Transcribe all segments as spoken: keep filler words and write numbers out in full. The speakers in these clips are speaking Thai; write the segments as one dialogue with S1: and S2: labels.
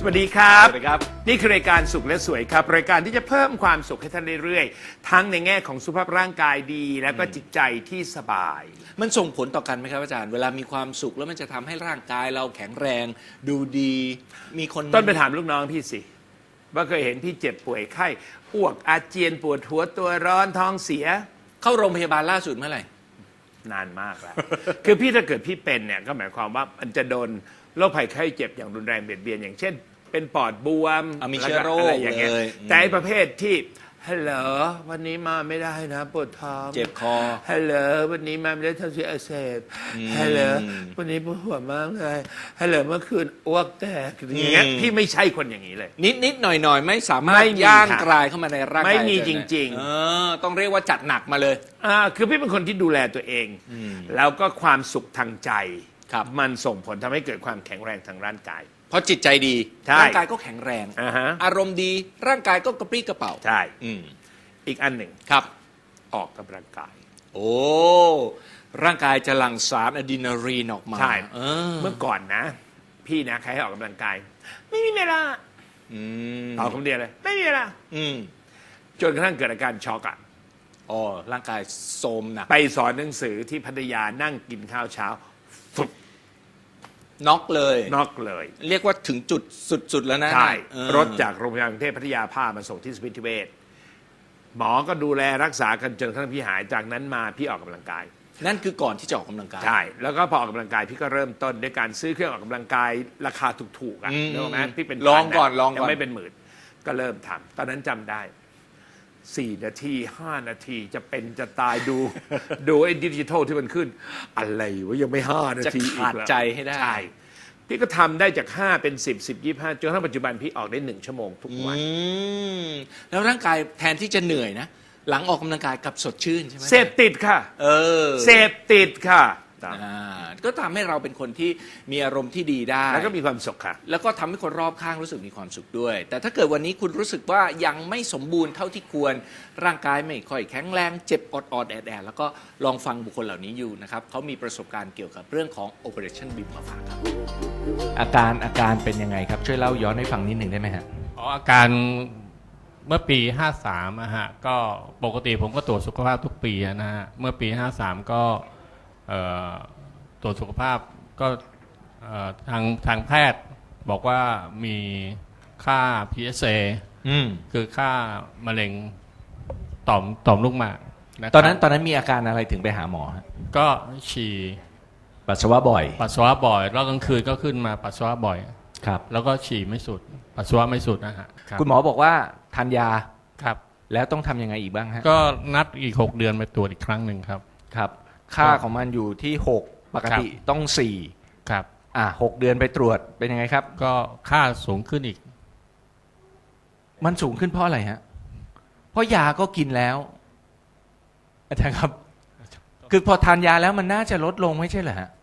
S1: วัสดีครับ
S2: สวัสดีครับ
S1: นี่คือรายการสุขและสวยครับรายการที่จะเพิ่มความสุขให้ท่านเรื่อยๆทั้งในแง่ของสุขภาพร่างกายดีแล้วก็จิตใจที่สบาย
S2: มันส่งผลต่อกันไหมครับอาจารย์เวลามีความสุขแล้วมันจะทำให้ร่างกายเราแข็งแรงดูดีมีคน
S1: ต้นไปถามลูกน้องพี่สิว่าเคยเห็นพี่เจ็บป่วยไข้อ้วกอาเจียนปวดหัวตัวร้อนท้องเสีย
S2: เข้าโรงพยาบาลล่าสุดเมื่อไหร่
S1: นานมากแล้ว คือพี่ถ้าเกิดพี่เป็นเนี่ยก็หมายความว่ามันจะโดนโรคภัยไข้เจ็บอย่างรุนแรงเบียดเบียนอย่างเช่นเป็นปอดบวม
S2: มีเชื้อโรค
S1: อะไรอย่างเงี้ย
S2: เลย
S1: แต่ไอ้ประเภทที่ฮัลโหลวันนี้มาไม่ได้นะปวดท้อง
S2: เจ็บคอ
S1: ฮัลโหลวันนี้มาไม่ได้ท้องเสียอักเสบฮัลโหลวันนี้ปวดหัวมากเลยฮัลโหลเมื่อคืนอ้วกแตกอย่างเงี้ยพี่ไม่ใช่คนอย่างนี้เลย
S2: นิดนิดหน่อยหน่อยไม่สามารถย่างกลายเข้ามาในร่างกาย
S1: ไม่มีจริงๆ
S2: เออต้องเรียกว่าจัดหนักมาเลย
S1: อ่าคือพี่เป็นคนที่ดูแลตัวเองแล้วก็ความสุขทางใจมันส่งผลทำให้เกิดความแข็งแรงทางร่างกาย
S2: เพราะจิตใจดีร่างกายก็แข็งแรง
S1: uh-huh.
S2: อารมณ์ดีร่างกายก็กระปรี้กระเป๋า
S1: ใช่อีกอันหนึ่ง
S2: ครับ
S1: ออกกำลังกาย
S2: โอ้ร่างกายจะหลั่งสารอะดรีนาลีนออกมา
S1: ใช่เออเมื่อก่อนนะพี่นะใครให้ออกกำลังกายไม่มีเวลาตอบคำเดียวเลยไม่มีเวลาจนกระทั่งเกิดอาการช็อกอ่ะ
S2: อ๋อร่างกายโทรมหนัก
S1: ไปสอนหนังสือที่พัทยานั่งกินข้าวเช้าฟุบ
S2: น็อกเลย
S1: น็อกเลย
S2: เรียกว่าถึงจุดสุดๆแล้วนะ
S1: ใช่รถจากโรงพยาบาลกรุงเทพพัทยาพามาส่งที่สมิติเวชหมอก็ดูแลรักษากันจนกระทั่งพี่หายจากนั้นมาพี่ออกกำลังกาย
S2: นั่นคือก่อนที่จะออกกำลังกาย
S1: ใช่แล้วก็พอออกกำลังกายพี่ก็เริ่มต้นด้วยการซื้อเครื่องออกกำลังกายราคาถูกๆอ่ะรู้ไหมพี่เป็น
S2: ลองก่อนลองก่อน
S1: ยังไม่เป็นหมื่นก็เริ่มทำตอนนั้นจำได้สี่นาทีห้านาทีจะเป็นจะตายดูดูไอ้ดิจิทัลที่มันขึ้นอะไรวะยังไม่ห้านาที
S2: อีกแล้วจะขาดใจให้ได้
S1: ใช่พี่ก็ทำได้จากห้าเป็นสิบสิบยี่ห้าจนถึงปัจจุบันพี่ออกได้หนึ่งชั่วโมงทุกวัน
S2: แล้วร่างกายแทนที่จะเหนื่อยนะหลังออกกำลังกายกับสดชื่นใช่ไหม
S1: เสพติดค่ะ
S2: เออ
S1: เสพติดค่ะ
S2: ก็ทำให้เราเป็นคนที่มีอารมณ์ที่ดีได้
S1: แล้วก็มีความสุขค่ะ
S2: แล้วก็ทำให้คนรอบข้างรู้สึกมีความสุขด้วยแต่ถ้าเกิดวันนี้คุณรู้สึกว่ายังไม่สมบูรณ์เท่าที่ควรร่างกายไม่ค่อยแข็งแรงเจ็บออดๆแอดๆแล้วก็ลองฟังบุคคลเหล่านี้อยู่นะครับเขามีประสบการณ์เกี่ยวกับเรื่องของ Operationบี มาฝากครับอาการอาการเป็นยังไงครับช่วยเล่าย้อนให้ฟังนิดหนึ่งได้ไหมฮะ
S3: อ๋ออาการเมื่อปีห้าสามอะฮะก็ปกติผมก็ตรวจสุขภาพทุกปีนะฮะเมื่อปีห้าสามก็ตรวจสุขภาพก็ทางทางแพทย์บอกว่ามีค่า พี เอส เอ คือค่ามะเร็งต่อมต่อมลูกหมาก
S2: ตอนนั้นตอนนั้นมีอาการอะไรถึงไปหาหมอฮะ
S3: ก็ฉี่
S2: ปัสสาวะบ่อย
S3: ปัสสาวะบ่อยแล้วกลางคืนก็ขึ้นมาปัสสาวะบ่อย
S2: ครับ
S3: แล้วก็ฉี่ไม่สุดปัสสาวะไม่สุดนะฮะ
S2: คุณหมอบอกว่าทานยา
S3: ครับ
S2: แล้วต้องทำยังไงอีกบ้างฮะ
S3: ก็นัดอีกหกเดือนไปตรวจอีกครั้งหนึ่งครับ
S2: ครับค่าของมันอยู่ที่หกปกติต้องสี่
S3: ครับ
S2: อ่าหกเดือนไปตรวจเป็นยังไงครับ
S3: ก็ค่าสูงขึ้นอีก
S2: มันสูงขึ้นเพราะอะไรฮะเพราะยาก็กินแล้วอาจารย์ครับคือพอทานยาแล้วมันน่าจะลดลงไม่ใช่เหรอฮะ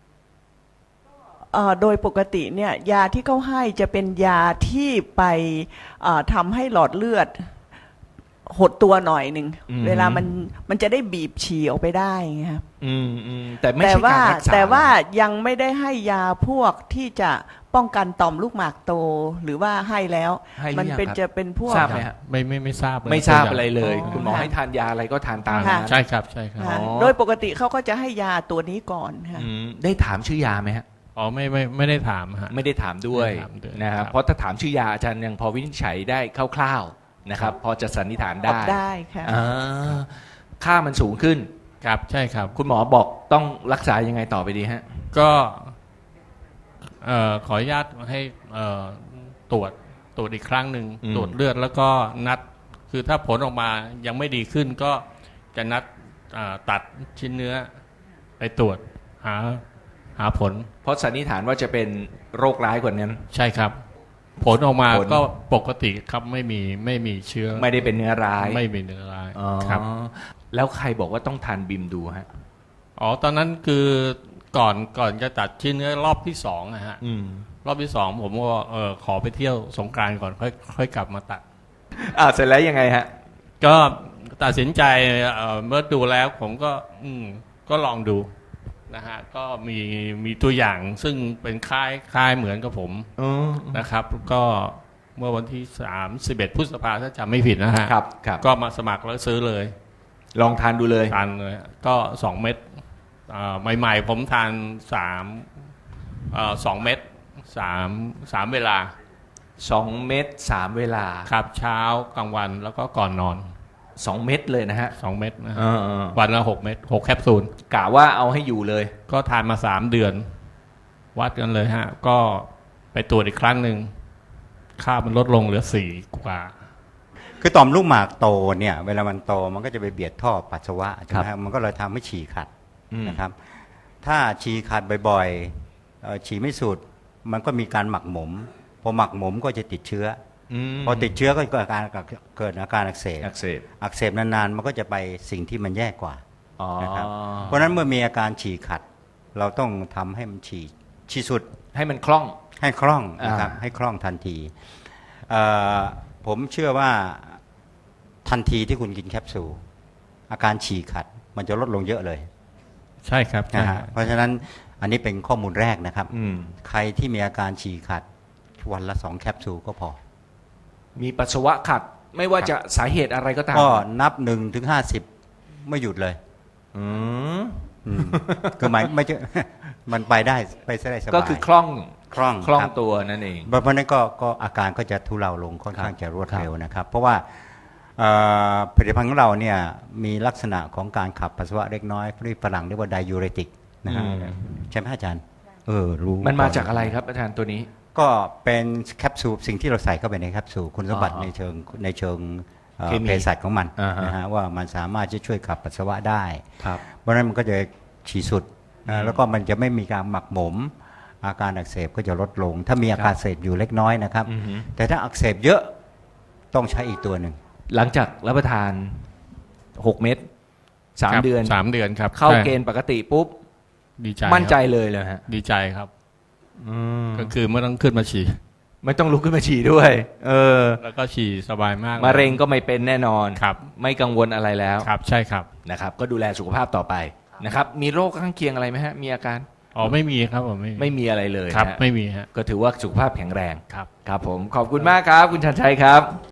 S4: โดยปกติเนี่ยยาที่เขาให้จะเป็นยาที่ไปทำให้หลอดเลือดหดตัวหน่อยหนึ่งเวลามันมันจะได้บีบฉี่ออกไปได้ครับ
S2: แต่ไม่ใช่การรักษา
S4: แต่ว่ายังไม่ได้ให้ยาพวกที่จะป้องกันต่อมลูกหมากโตหรือว่าให้แล้วมันเป็นจะเป็นพวก
S2: ทราบไหมฮะ
S3: ไม่ไม่ไม่ทราบ
S2: ไม่ทราบอะไรเลยคุณหมอให้ทานยาอะไรก็ทานตามนะ
S3: ใช่ครับใช่ครับ
S4: โดยปกติเขาก็จะให้ยาตัวนี้ก่อนค่ะ
S2: ได้ถามชื่อยาไหมฮะ
S3: อ๋อไม่ไม่ไม่ได้ถามฮะ
S2: ไม่ได้ถามด้วยนะครับเพราะถ้าถามชื่อยาอาจารย์ยังพอวินิจฉัยได้คร่าวๆนะครับพอจะสันนิษฐานได้
S4: ได้ค่ะ
S2: ค่ามันสูงขึ้น
S3: ครับใช่ครับ
S2: คุณหมอบอกต้องรักษายังไงต่อไปดีฮะ
S3: ก็ขออนุญาตให้ตรวจตรวจอีกครั้งหนึ่งตรวจเลือดแล้วก็นัดคือถ้าผลออกมายังไม่ดีขึ้นก็จะนัดตัดชิ้นเนื้อไปตรวจหาหาผล
S2: เพราะสันนิษฐานว่าจะเป็นโรคร้ายกว่านั้น
S3: ใช่ครับผลออกมาก็ปกติครับไม่มีไม่มีเชื้อ
S2: ไม่ได้เป็นเนื้อร้าย
S3: ไม่มีเนื้อร้ายครับ
S2: แล้วใครบอกว่าต้องทานบิมดูฮะ
S3: อ๋อตอนนั้นคือก่อนก่อนจะตัดชิ้นเนื้อรอบที่สองนะฮะรอบที่สองผมก็เออขอไปเที่ยวสงกรานต์ก่อนค่อยค่อยกลับมาตัด
S2: อ่าเสร็จแล้วยังไงฮะ
S3: ก็ตัดสินใจเอ่อเมื่อดูแล้วผมก็อืมก็ลองดูนะฮะก็มีมีตัวอย่างซึ่งเป็นคล้ายคล้ายเหมือนกับผม
S2: อ๋อ
S3: นะครับ ก็เมื่อวันที่สามสิบเอ็ดพฤษภาถ้าจำไม่ผิดนะฮะ
S2: ครับครับ
S3: ก็มาสมัครแล้วซื้อเลย
S2: ลองทานดูเลย
S3: ทานเลยก็สองเม็ดอ่าใหม่ๆผมทานสามเอ่อสองเม็ดสามสามเวลา
S2: สองเม็ดสามเวลา
S3: ครับเช้ากลางวันแล้วก็ก่อนนอน
S2: สองเม็ดเลยนะฮะ
S3: สองเม็ดนะฮะ
S2: เออเออ
S3: วันละหกเม็ดหกแคปซูล
S2: กะว่าเอาให้อยู่เลย
S3: ก็ทานมาสามเดือน วัดกันเลยฮะ ก็ไปตรวจอีกครั้งหนึ่งค่ามันลดลงเหลือสี่กว่า
S5: คือต่อมลูกหมากโตเนี่ยเวลามันโตมันก็จะไปเบียดท่อปัสสาวะใช่ไหม
S2: ค
S5: ค
S2: รั
S5: รั
S2: บบ
S5: มันก็เลยทำให้ฉี่ขัด
S2: อืม
S5: นะครับถ้าฉี่ขัดบ่อยๆเอ่อฉี่ไม่สุดมันก็มีการหมักหมมพอหมักหมมก็จะติดเชื้อ
S2: ม
S5: พอติดเชื้อก็เกิดอาการเกิดอาการอักเสบ
S2: อักเสบ
S5: อักเสบนานๆมันก็จะไปสิ่งที่มันแย่กว่า
S2: อ๋อ
S5: นะครับเพราะฉะนั้นเมื่อมีอาการฉี่ขัด เราต้องทำให้มันฉี่ฉี่สุด
S2: ให้มันคล่อง
S5: ให้คล่องนะครับ
S2: อ่า
S5: ให้คล่องทันทีเอ่อผมเชื่อว่าทันทีที่คุณกินแคปซูลอาการฉี่ขัด มันจะลดลงเยอะเลย
S3: ใช่ครับใช่
S5: นะฮะเพราะฉะนั้นอันนี้เป็นข้อมูลแรกนะครับ
S2: อืม
S5: ใครที่มีอาการฉี่ขัดวันละสองแคปซูลก็พอ
S2: มีปัสสาวะขัด ไม่ว่าจะสาเหตุอะไรก็ตาม
S5: ก็นับหนึ่งถึงห้าสิบไม่หยุดเลย
S2: อืม
S5: อืมคือหมายไม่ใช่ มันไปได้ไปได้สบาย
S2: ก็คือคล่อง
S5: คล่อง
S2: คล่อง
S5: รับ
S2: ตัวนั่นเอง
S5: เพราะฉะนั้นก็ก็อาการก็จะทุเลาลงค่อนข้างจะรวดเร็วนะครับ เพราะว่าเอ่อผลิตภัณฑ์ของเราเนี่ยมีลักษณะของการขับปัสสาวะเล็กน้อยที่ฝรั่งเรียกว่าไดยูเรติกนะฮะ
S2: อืม
S5: ใช่ไหมอาจารย์เออรู้
S2: มันมาจากอะไรครับอาจารย์ตัวนี้
S5: ก็เป็นแคปซูลสิ่งที่เราใส่เข้าไปในแคปซูลคุณสมบัติ
S2: อ๋อ
S5: ในเชิงในเชิงเอ่อ
S2: เคมี
S5: เภสัชของมัน
S2: อ่าฮะ
S5: นะฮะว่ามันสามารถจะช่วยขับปัสสาวะได้
S2: ครับ
S5: เพราะฉะนั้นมันก็จะฉี่สุด
S2: อื
S5: นะ
S2: ม
S5: แล้วก็มันจะไม่มีการหมักหมม อาการอักเสบก็จะลดลง ถ้ามีอาการอักเสบอยู่เล็กน้อยนะครับ
S2: อือฮึ
S5: แต่ถ้าอักเสบเยอะต้องใช้อีกตัวหนึ่ง
S2: หลังจากรับประทานหกเม็ดสาม
S3: ครับ
S2: เดือน
S3: สามเดือนครับ
S2: เข้า
S3: ใช่
S2: เกณฑ์ปกติปุ๊บ
S3: ดีใจ
S2: มั่นใจ
S3: ครับ
S2: เลยเลยฮะ
S3: ดีใจครับ ก็คือไม่ต้องขึ้นมาฉี่
S2: ไม่ต้องลุกขึ้นมาฉี่ด้วย เออ
S3: แล้วก็ฉี่สบายมาก
S2: มะเร็งก็ไม่เป็นแน่นอน
S3: ครับ
S2: ไม่กังวลอะไรแล้ว
S3: ครับใช่ครับ
S2: นะครับ ก็ดูแลสุขภาพต่อไปนะครับ มีโรคข้างเคียงอะไรไหมฮะ มีอาการ
S3: อ๋อไม่มีครับผมไม่มี
S2: ไม่มีอะไรเลย
S3: ครับ
S2: นะฮะ
S3: ไม่มีฮะ
S2: ก็ถือว่าสุขภาพแข็งแรง
S3: ครับ
S2: ครับผม ขอบคุณมากครับ คุณชันชัยครับ